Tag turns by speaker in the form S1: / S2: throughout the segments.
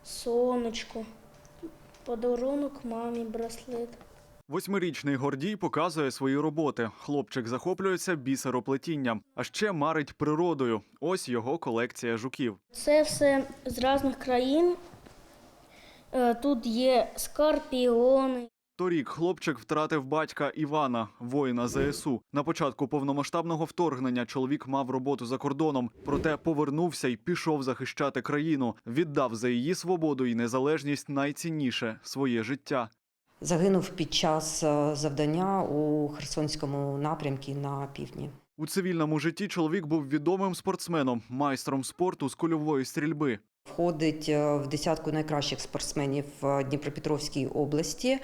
S1: сонечко, подарунок мамі, браслет.
S2: 8-річний Гордій показує свої роботи. Хлопчик захоплюється бісероплетінням, а ще марить природою. Ось його колекція жуків.
S1: Це все з різних країн. Тут є скорпіони.
S2: Торік хлопчик втратив батька Івана, воїна ЗСУ. На початку повномасштабного вторгнення чоловік мав роботу за кордоном, проте повернувся і пішов захищати країну. Віддав за її свободу і незалежність найцінніше – своє життя.
S3: Загинув під час завдання у Херсонському напрямку на півдні.
S2: У цивільному житті чоловік був відомим спортсменом, майстром спорту з кульової стрільби.
S3: Входить в десятку найкращих спортсменів в Дніпропетровській області.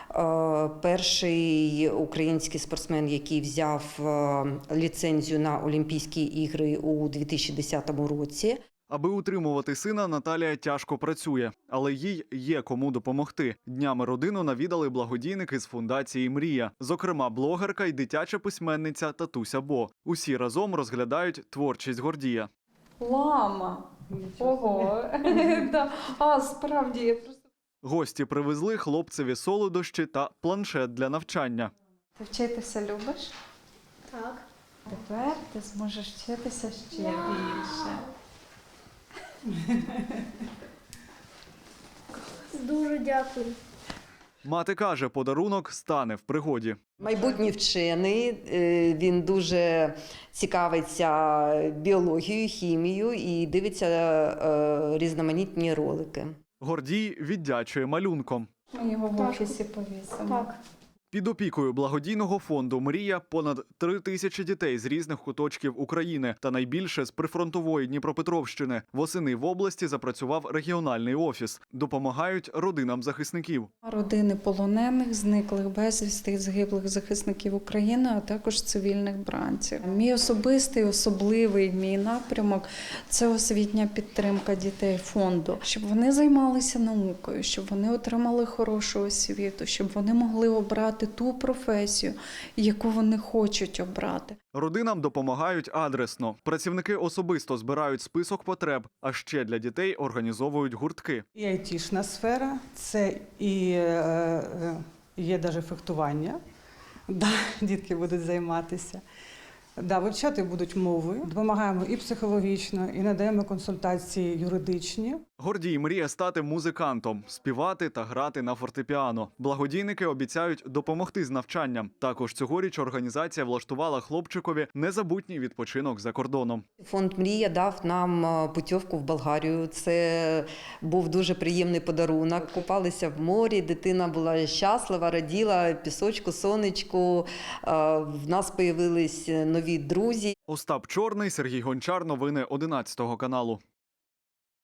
S3: Перший український спортсмен, який взяв ліцензію на Олімпійські ігри у 2010 році.
S2: Аби утримувати сина, Наталія тяжко працює, але їй є кому допомогти. Днями родину навідали благодійники з фундації «Мрія». Зокрема, блогерка і дитяча письменниця Татуся Бо. Усі разом розглядають творчість Гордія.
S4: Лама! Ого! А, справді, я просто...
S2: Гості привезли хлопцеві солодощі та планшет для навчання.
S4: Ти вчитися любиш?
S1: Так.
S4: Тепер ти зможеш вчитися ще більше.
S1: Дуже дякую.
S2: Мати каже, подарунок стане в пригоді.
S3: Майбутній вчений, він дуже цікавиться біологією, хімією і дивиться різноманітні ролики.
S2: Гордій віддячує малюнком.
S4: Ми його в офісі повісимо.
S1: Так.
S2: Під опікою благодійного фонду «Мрія» понад 3000 дітей з різних куточків України та найбільше з прифронтової Дніпропетровщини. Восени в області запрацював регіональний офіс. Допомагають родинам захисників.
S4: Родини полонених, зниклих безвісти, загиблих захисників України, а також цивільних бранців. Мій особистий, особливий мій напрямок – це освітня підтримка дітей фонду. Щоб вони займалися наукою, щоб вони отримали хорошу освіту, щоб вони могли обрати ту професію, яку вони хочуть обрати.
S2: Родинам допомагають адресно. Працівники особисто збирають список потреб, а ще для дітей організовують гуртки.
S5: І айтішна сфера, це і є навіть фехтування, дітки будуть займатися. Вивчати будуть мови, допомагаємо і психологічно, і надаємо консультації юридичні.
S2: Гордій мріє стати музикантом, співати та грати на фортепіано. Благодійники обіцяють допомогти з навчанням. Також цьогоріч організація влаштувала хлопчикові незабутній відпочинок за кордоном.
S3: Фонд «Мрія» дав нам путівку в Болгарію. Це був дуже приємний подарунок. Купалися в морі, дитина була щаслива, раділа, пісочку, сонечку. В нас з'явились нові друзі.
S2: Остап Чорний, Сергій Гончар. Новини 11 каналу.